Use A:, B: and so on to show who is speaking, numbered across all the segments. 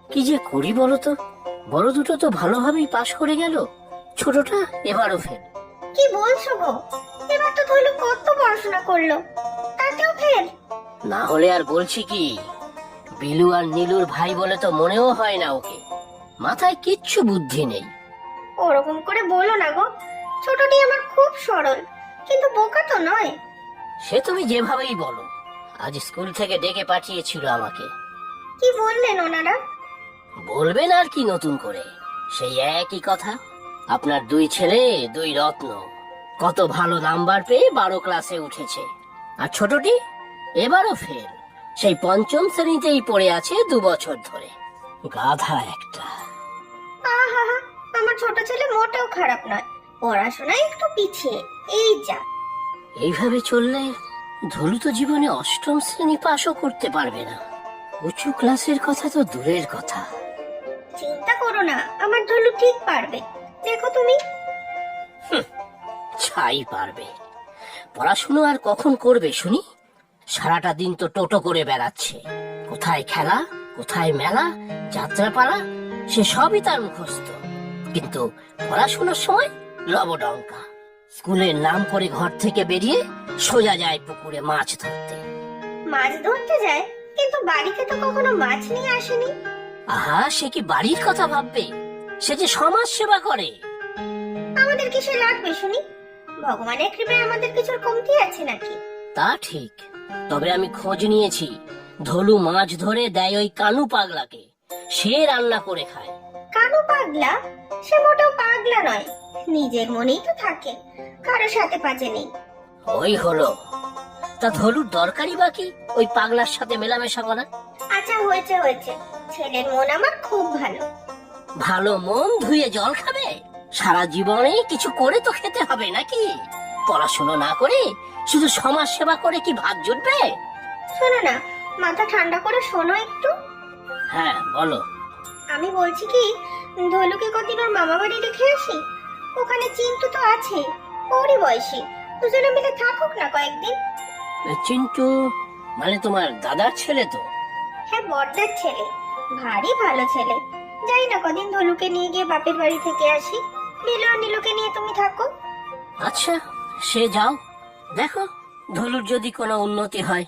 A: কি যে করি বলো তো? বড় দুটো তো ভালোভাবেই পাশ করে গেল, ছোটটা এবারও ফেল।
B: কি বলছো গো? এবার তো ধলু কত পড়াশোনা করলো, তাতেও ফেল?
A: না হলে আর বলছি কি, বিলু আর নীলুর ভাই বলে তো মনেও হয় না ওকে, মাথায় কিচ্ছু বুদ্ধি নেই।
B: ওরকম করে বলো না গো, ছোটটি আমার খুব সরল, কিন্তু বোকা তো নয়।
A: সে তুমি যেভাবেই বলো, আজ স্কুল থেকে ডেকে পাঠিয়েছিল আমাকে।
B: কি বললেন ওনারা?
A: বলবেন আর কি নতুন করে, সেই একই কথা। আপনার দুই ছেলে দুই রত্ন, কত ভালো নাম্বার পেয়ে 12 ক্লাসে উঠেছে, আর ছোটটি এবারও ফেল, সেই পঞ্চম শ্রেণীতেই পড়ে আছে 2 বছর ধরে। গাধা একটা।
B: আহা, আমার ছোট ছেলে মোটেও খারাপ নয়, পড়াশোনায় একটু পিছিয়ে, এই যা।
A: এইভাবে চললে ধলু তো জীবনে 8ম শ্রেণী পাশও করতে পারবে না, উঁচু ক্লাসের কথা তো দূরের কথা।
B: চিন্তা করো না, আমার ধলু ঠিক পারবে, দেখো তুমি।
A: ছাই পারবে, পড়াশুনো আর কখন করবে শুনি? সারাটা দিন তো টোটো করে বেড়াচ্ছে, কোথায় খেলা, কোথায় মেলা, যাত্রাপালা, সে সবই তার মুখস্থ, কিন্তু পড়াশোনার সময় লবডঙ্কা। স্কুলের নাম করে ঘর থেকে বেরিয়ে সোজা যায় পুকুরে মাছ ধরতে।
B: মাছ ধরতে যায়, কিন্তু বাড়িতে তো কখনো মাছ নিয়ে আসেনি।
A: আহা, সে কি বাড়ির কথা ভাববে? সে যে সমাজ সেবা করে।
B: আমাদের কিসে লাগবে শুনি? ভগবানের কৃপায় আমাদের কিছুর কমতি আছে নাকি?
A: তা ঠিক, তবে আমি খোঁজ নিয়েছি, ধলু মাছ ধরে দেয় ওই কানু পাগলাকে, সে রান্না করে খায়।
B: কানু পাগলা? সে মোটেও পাগলা নয়, নিজের মনেই তো থাকে, কারো সাথে পাজে নেই।
A: ওই হলো, তা ধলুর দরকারই বাকি ওই পাগলার সাথে মেলামেশা করা।
B: আচ্ছা হয়েছে হয়েছে, ছেলের মন আমার খুব ভালো।
A: ভালো মন ধুয়ে জল খাবে? সারা জীবনে কিছু করে তো খেতে হবে নাকি? পড়াশোনা না করে শুধু সমাজ সেবা করে কি ভাগ জুটবে?
B: শোনো না, মাথা ঠান্ডা করে শোনো একটু।
A: হ্যাঁ বলো।
B: আমি বলছি কি, ধলুকে কদিন ওর মামা বাড়ি রেখে আসি, ওখানে চিন্টু তো আছে, ওরই বয়সী, দুজনে মিলে থাকুক না কয়েকদিন।
A: চিন্টু মানে তোমার দাদার ছেলে তো?
B: হ্যাঁ, বড়দার ছেলে, ভারী ভালো ছেলে। যাই না কদিন ধলুকে নিয়ে গিয়ে বাপের বাড়ি থেকে আসি, নীলু আর নীলুকে নিয়ে তুমি থাকো।
A: আচ্ছা, সে যাও, দেখো ধলুর যদি কোনো উন্নতি হয়।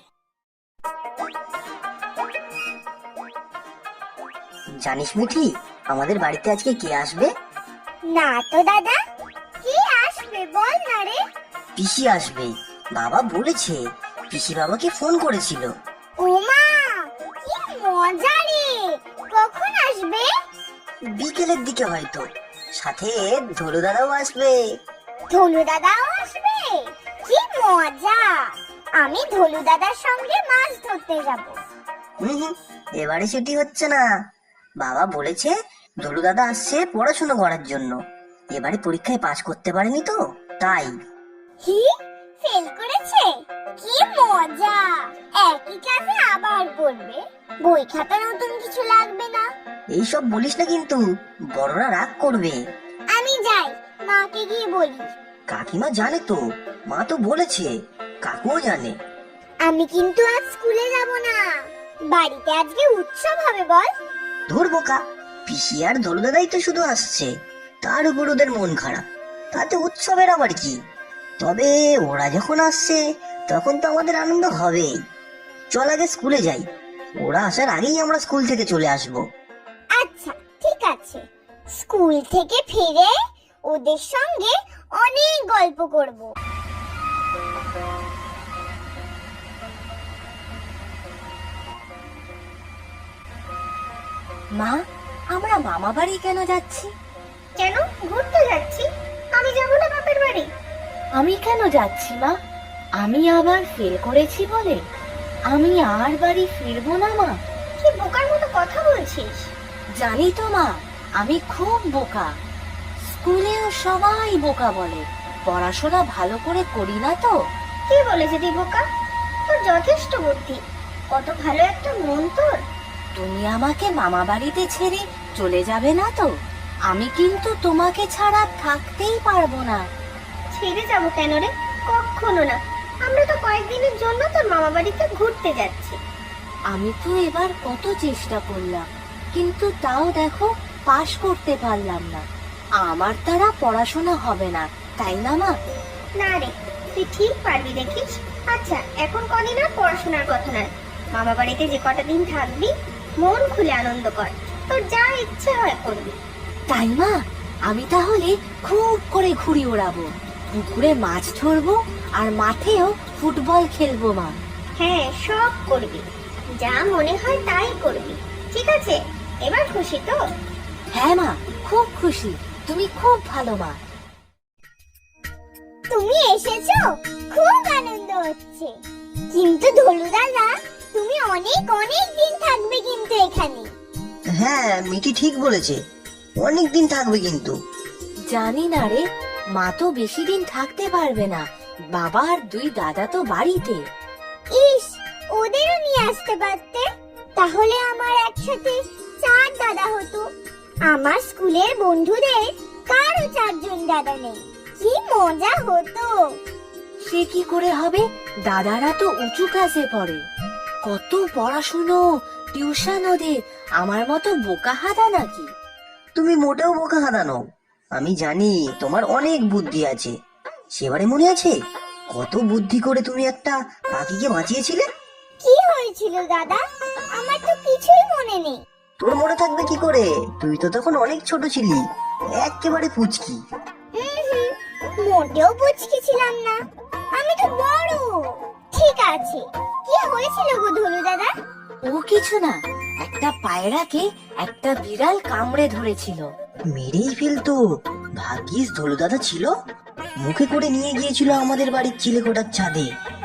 C: জানিস মিঠি, আমাদের বাড়িতে আজকে কে আসবে?
B: না তো দাদা, কি আসবে বল না রে।
C: পিসি আসবে, বাবা বলেছে। পিসি বাবাকে ফোন করেছিল।
B: ওমা, কি মজা রে! কখন আসবে?
C: বিকেলের দিকে হয়তো, সাথে ধলু দাদাও আসবে।
B: ধলু দাদাও আসবে? কি মজা! আমি ধলু দাদার সঙ্গে মাছ ধরতে যাব।
C: হুম, এবারে ছুটি হচ্ছে না। বাবা বলেছে ধলু দাদা আসছে পড়াশোনা করার জন্য, এবারে পরীক্ষায় পাশ করতে পারেনি তো তাই।
B: হি, ফেল করেছে? কি মজা! একই ক্লাসে আবার পড়বে, বই খাতা নতুন কিছু লাগবে না।
C: এইসব বলিস না কিন্তু, বড়রা রাগ করবে।
B: আমি যাই, মাকে গিয়ে বলি।
C: কাকিমা জানে তো, মা তো বলেছে, কাকুও জানে।
B: আমি কিন্তু আজ স্কুলে যাব না, বাড়িতে আজকে উৎসব হবে। বল।
C: ধুর বোকা, পিসি আর ধলু দাদাই তো শুধু আসছে, তার উপর ওদের মন খারাপ, তাতে উৎসবের আবার কি? তবে ওরা যখন আসছে তখন তো আমাদের আনন্দ হবেই। চল আগে স্কুলে যাই, ওরা আসার আগেই আমরা স্কুল থেকে চলে আসবো।
B: আচ্ছা ঠিক আছে, স্কুল থেকে ফিরে ওদের সঙ্গে অনেক গল্প করব।
D: মা, আমরা মামা বাড়ি কেন যাচ্ছি?
B: কেন ঘুরতে যাচ্ছি? আমি যাব না বাপের বাড়ি?
D: আমি কেন যাচ্ছি মা? আমি আবার ফেল করেছি বলে আমি আর বাড়ি ফিরবো না মা।
B: কি বোকার মতো কথা বলছিস?
D: জানি তো মা, আমি খুব বোকা। স্কুলেও সবাই বোকা বলে, পড়াশোনা ভালো করে করি না তো।
B: কে বলেছে তুই বোকা? তোর যথেষ্ট বুদ্ধি, কত ভালো একটা মন তোর।
D: তুমি আমাকে মামা বাড়িতে ছেড়ে চলে যাবে না তো? আমি কিন্তু তোমাকে ছাড়া থাকতেই পারবো না।
B: ছেড়ে যাব কেন রে? কখনো না, আমরা তো কয়েকদিনের জন্য তোর মামা বাড়িতে ঘুরতে যাচ্ছি।
D: আমি তো এবার কত চেষ্টা করলাম, কিন্তু তাও দেখো পাশ করতে পারলাম না। আমার দ্বারা পড়াশোনা হবে না, তাই না মা?
B: না রে, তুই ঠিক পারবি দেখিস। আচ্ছা, এখন কদিন আর পড়াশোনার কথা নয়, মামা বাড়িতে যে কটা দিন থাকবি মন খুলে আনন্দ কর, তোর যা ইচ্ছে হয় করবি।
D: তাই মা, আমি তাহলে খুব করে ঘুড়ি ওড়াবো, পুকুরে মাছ ধরবো, আর মাঠেও ফুটবল খেলবো মা।
B: হ্যাঁ, সব করবি, যা মনে হয় তাই করবি। ঠিক আছে, এবার খুশি তো?
D: হ্যাঁ মা, খুব খুশি, তুমি খুব ভালো মা।
B: তুমি এসেছো, খুব আনন্দ হচ্ছে। কিন্তু ধলু দাদা, তুমি অনেক অনেক দিন থাকবে কিন্তু এখানে।
C: হ্যাঁ, মিটি ঠিক বলেছে, অনেক দিন থাকবে কিন্তু।
D: জানি না রে, মা তো বেশি দিন থাকতে পারবে না, বাবা আর দুই দাদা তো বাড়িতে।
B: ইস, ওদেরও নিয়ে আসতে পারতে, তাহলে আমার একসাথে 4 দাদা হতো। আমার স্কুলের বন্ধুদের কারো 4 জন দাদা নেই, কি মজা হতো।
D: সে কি করে হবে, দাদারা তো উঁচু ক্লাসে পড়ে। কত পড়াশুনো, টিউশন ওদের, আমার মতো বোকা হাদা নাকি?
C: তুমি মোটেও বোকা হারানো, আমি জানি তোমার অনেক বুদ্ধি আছে। সেবারে মনে আছে কত বুদ্ধি করে তুমি একটা পাখিকে বাঁচিয়েছিলে?
B: কি হয়েছিল দাদা? আমার তো কিছুই মনে নেই।
C: তোর মনে থাকবে কি করে, তুই তো তখন অনেক ছোট ছিলি, একেবারে পুচকি।
B: মোটেও বুঝকি ছিলাম না, আমি তো বড়। ঠিক আছে, কি হয়েছিল গো ধলু দাদা?
D: ও কিছু না, একটা পায়রাকে একটা বিড়াল কামড়ে ধরেছিল।
C: মেরেই ফেলতো, ভাগ্যিস ধলু দাদা ছিল, মুখে করে নিয়ে গিয়েছিল আমাদের বাড়ির চিলেকোঠার ছাদে।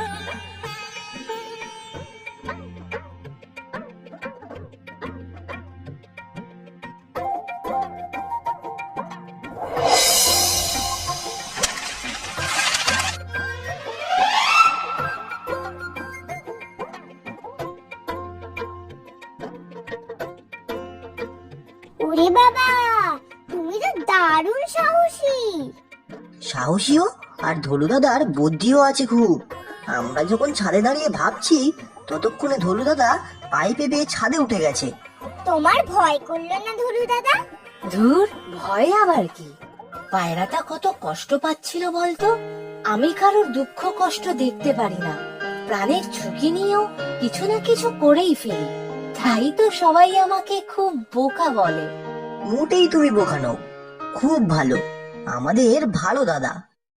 B: ওরে বাবা, তুমি তো দারুণ সাহসী।
C: সাহসীও আর ধলু দাদার বুদ্ধিও আছে খুব। আমরা যখন ছাদে দাঁড়িয়ে ভাবছি, ততক্ষণে ধলু দাদা পাইপে বেয়ে ছাদে উঠে গেছে।
B: তোমার ভয় করলো না ধলু দাদা?
D: ধুর, ভয় আবার কি, পায়রাটা কত কষ্ট পাচ্ছিল বলতো। আমি কারোর দুঃখ কষ্ট দেখতে পারি না, প্রাণের ঝুঁকি নিয়েও কিছু না কিছু করেই ফেলি, তাই তো সবাই আমাকে খুব বোকা বলে।
C: মোটেই তুমি বোকা নও, খুব ভালো, আমাদের ভালো দাদা।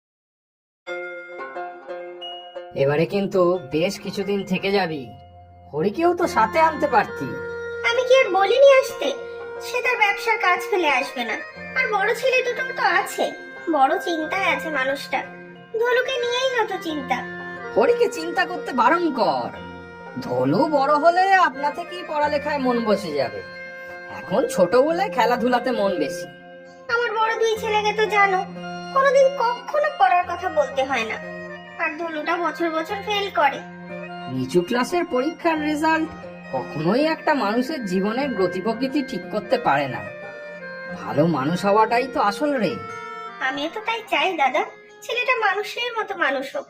A: এবারে কিন্তু বেশ কিছুদিন থেকে যাবি, হরিকেও তো সাথে আনতে পারতি।
B: আমি কি আর বলিনি আসতে? সে তার ব্যবসার কাজ ফেলে আসবে না, আর বড় ছেলে দুটো তো আছে। বড় চিন্তায় আছে মানুষটা, ধলুকে নিয়েই যত চিন্তা।
A: হরিকে চিন্তা করতে বারণ কর, ধলু বড় হলে আপনা থেকেই পড়ালেখায় মন বসে যাবে, এখন ছোট বলে খেলাধুলাতে মন বেশি।
B: আমার বড় 2 ছেলেকে তো জানো, কোনোদিন কখনো পড়ার কথা বলতে হয় না, আর ধলুটা বছর বছর ফেল করে।
A: নিচু ক্লাসের পরীক্ষার রেজাল্ট কখনোই একটা মানুষের জীবনের গতি প্রকৃতি ঠিক করতে পারে না, ভালো মানুষ হওয়াটাই তো আসল রে।
B: আমিও তো তাই চাই দাদা, ছেলেটা মানুষের মতো মানুষ হোক।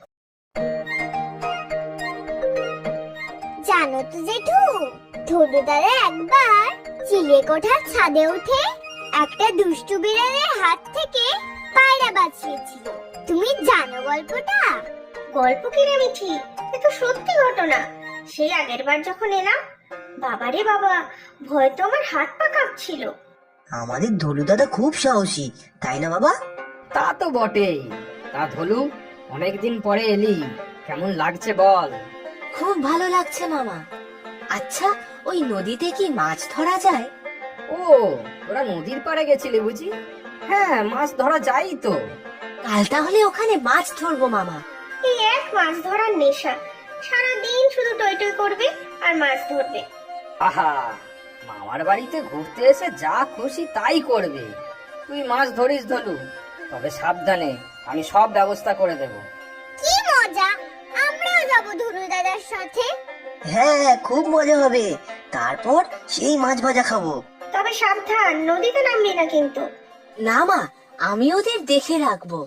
B: জানো তো জেঠু, ধলু দাদা একবার চিলেকোঠার ছাদে উঠে একটা দুষ্টু বিড়ালের হাত থেকে পায়রা বাঁচিয়েছিল। তুমি জানো গল্পটা? গল্প কি রে মিঠি, এ তো সত্যি ঘটনা। সেই আগের বার যখন এলাম, বাবারে বাবা, ভয় তো আমার হাত পা কাঁপছিল।
C: আমাদের ধলু দাদা খুব সাহসী, তাই না বাবা?
A: তা তো বটেই। তা ধলু, অনেকদিন পরে এলি, কেমন লাগছে বল?
D: খুব ভালো লাগছে মামা। আচ্ছা, ওই নদীতে কি মাছ ধরা যায়?
A: ও, ওরা নদীর পাড়ে গেছিলি বুঝি? হ্যাঁ, মাছ ধরা যায় তো।
D: কাল তাহলে ওখানে মাছ ধরবো মামা।
B: এই এক মাছ ধরার নেশা, সারাদিন শুধু টই টই করবে আর মাছ ধরবে।
A: আহা, মামার বাড়িতে ঘুরতে এসে যা খুশি তাই করবে। তুই মাছ ধরিস ধলু, তবে সাবধানে, আমি সব ব্যবস্থা করে দেব।
B: কি মজা, আমরাও যাব ধলু দাদার সাথে।
C: হ্যাঁ, খুব মজা হবে, তারপর সেই মাছ ভাজা খাবো।
B: তবে সাবধান, নদীতে নামবি না কিন্তু।
D: না মা, আমি ওদের দেখে রাখবো।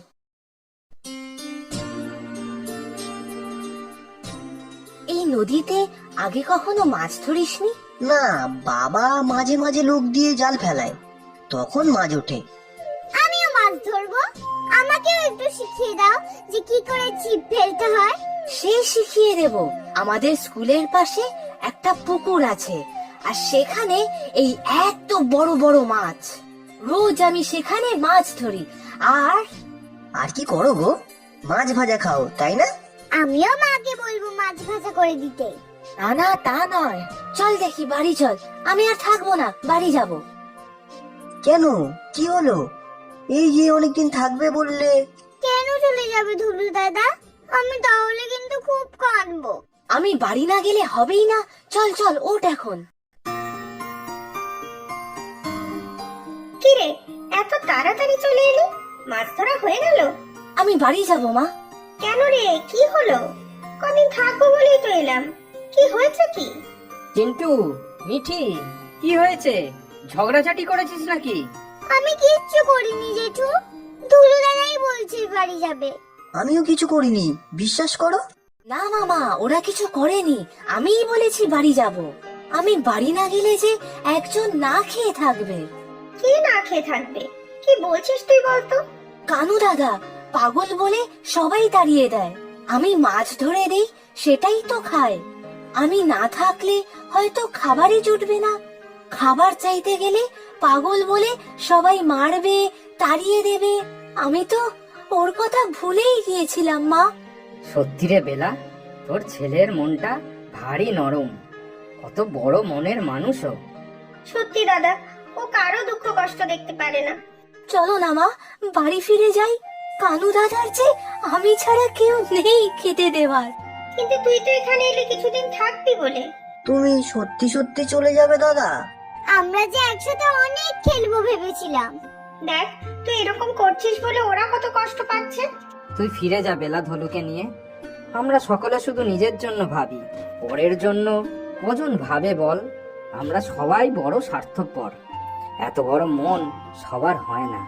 D: এই নদীতে আগে কখনো মাছ ধরিসনি?
C: না, বাবা মাঝে মাঝে লোক দিয়ে জাল ফেলায়, তখন মাছ ওঠে।
B: আমিও মাছ ধরবো, আমাকেও একটু শিখিয়ে দাও যে কি করে ছিপ ফেলতে হয়।
D: সে শিখিয়ে দেব। আমাদের স্কুলের পাশে একটা পুকুর আছে, আর সেখানে এই এত বড় বড় মাছ। রোজ আমি সেখানে মাছ ধরি।
C: আর কি করো গো? মাছ ভাজা খাও, তাই না?
B: আমিও মাকে বলবো মাছ ভাজা করে দিতে।
D: না না, তা নয়। চল দেখি, বাড়ি চল। আমি আর থাকবো না, বাড়ি যাব।
C: কেন, কি হলো? এই যে অনেকদিন থাকবে বললে।
B: কেন চলে যাবে ধুলু দাদা? আমি তাহলে কিন্তু খুব কাঁদবো।
D: আমি বাড়ি না গেলে হবেই না। চল চল, ওঠ এখন।
B: কিরে, এত তাড়াতাড়ি চলে এলি? মাছ ধরা হয়ে গেল?
D: আমি বাড়ি যাব মা।
B: কেন রে, কি হলো? কদিন থাকবো বলেই তো এলাম। কি হয়েছে কি?
E: চিন্টু, মিঠি, কি হয়েছে? ঝগড়াঝাটি করেছিস নাকি?
B: আমি কিচ্ছু করিনি জেঠু, ধুলু দাদাই বলছে বাড়ি যাবে।
C: আমিও কিছু করিনি, বিশ্বাস করো।
D: না মামা, ওরা কিছু করেনি। আমিই বলেছি বাড়ি যাব। আমি বাড়ি না গেলে যে একজন না খেয়ে থাকবে।
B: কে না খেয়ে থাকবে? কি বলছিস তুই বলতো?
D: কানু দাদা পাগল বলে সবাই তাড়িয়ে দেয়। আমি মাছ ধরে দেই, সেটাই তো খায়। আমি না থাকলে হয়তো খাবারই জুটবে না। খাবার চাইতে গেলে পাগল বলে সবাই মারবে, তাড়িয়ে দেবে। আমি তো ওর কথা ভুলেই গিয়েছিলাম মা।
E: সত্যি রে বেলা, তোর ছেলের মনটা ভারী নরম। কত বড় মনের মানুষও।
B: সত্যি দাদা, ও কারো দুঃখ কষ্ট দেখতে পারে না।
D: চলো না মা, বাড়ি ফিরে যাই। কানু দাদার যে আমি ছাড়া কেউ নেই খেতে দেওয়ার।
B: কিন্তু তুই তো এখানে এলে কিছুদিন থাকবি বলে।
C: তুমি সত্যি সত্যি চলে যাবে দাদা?
B: আমরা যে একসাথে অনেক খেলবো ভেবেছিলাম। দেখ, তুই এরকম করছিস বলে ওরা কত কষ্ট পাচ্ছে।
E: তুই ফিরে যা বেলা, ধলুকে নিয়ে। আমরা সকলে শুধু নিজের জন্য ভাবি, পরের জন্য কজন ভাবে বল? আমরা সবাই বড় স্বার্থপর। এত বড় মন সবার হয় না।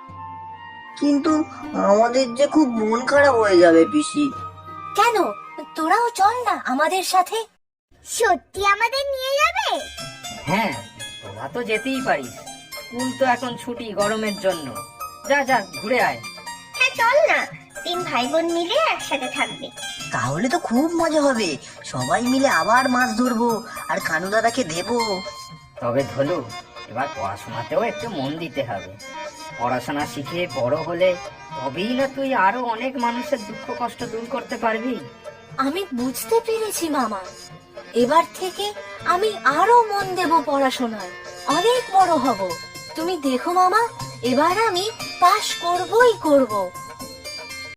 C: কিন্তু আমাদের যে খুব মন খারাপ হয়ে যাবে পিসি।
D: কেন, তোরাও চল না আমাদের সাথে।
B: সত্যি আমাদের নিয়ে যাবে?
E: হ্যাঁ, তোরা তো যেতেই পারিস। স্কুল তো এখন ছুটি গরমের জন্য। যা যা, ঘুরে আয়।
B: হ্যাঁ চল না, 3 ভাই বোন মিলে একসাথে থাকবে।
C: তাহলে তো খুব মজা হবে, সবাই মিলে আবার মাছ ধরবো আর কানু দাদাকে দেবো।
E: তবে ধলু, এবার পড়াশোনাতেও একটু মন দিতে হবে। পড়াশোনা শিখে বড় হলে তবেই না তুই আরো অনেক মানুষের দুঃখ কষ্ট দূর করতে পারবি।
D: আমি বুঝতে পেরেছি মামা। এবার থেকে আমি আরো মন দেব পড়াশোনায়, অনেক বড় হব। তুমি দেখো মামা, এবার আমি পাশ করবই করব।